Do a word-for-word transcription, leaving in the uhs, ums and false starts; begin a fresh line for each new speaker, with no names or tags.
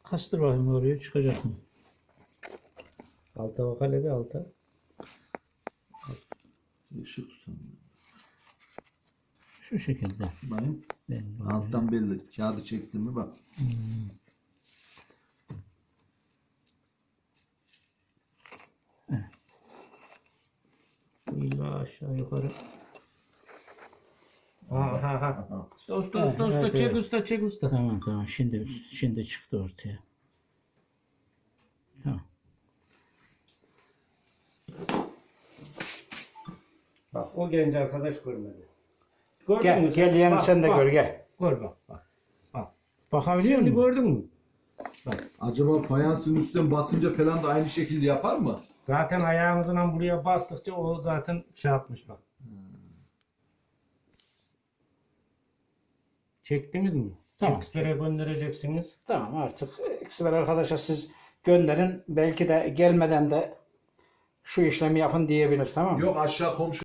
Kastır bakayım oraya çıkacak mı?
Alta bak hele bir alta.
Işık tutamıyorum.
Şu şekilde.
Bakayım.
Ben
Alttan belli. Kağıdı çektim mi bak.
Hmm. Evet.
İlla aşağı yukarı. Aha ha.
Aha.
Usta usta
Evet,
usta usta
evet,
çek
evet.
usta çek usta.
Tamam tamam. Şimdi şimdi çıktı ortaya. Tamam.
Bak o genç arkadaş görmedi. Gördün
Gel
mü
gel yeğenim
Bak,
sen de
bak.
gör gel.
Gör bak bak. Bak.
Bakabiliyor
Şimdi
musun?
gördün mü?
Acaba fayansın üstten basınca falan da aynı şekilde yapar mı?
Zaten ayağınızla buraya bastıkça o zaten şey yapmış bak. Çektiniz mi?
Tamam.
Eksper'e göndereceksiniz.
Tamam artık eksper arkadaşa siz gönderin. Belki de gelmeden de şu işlemi yapın diyebilir, tamam mı?
Yok aşağı komşu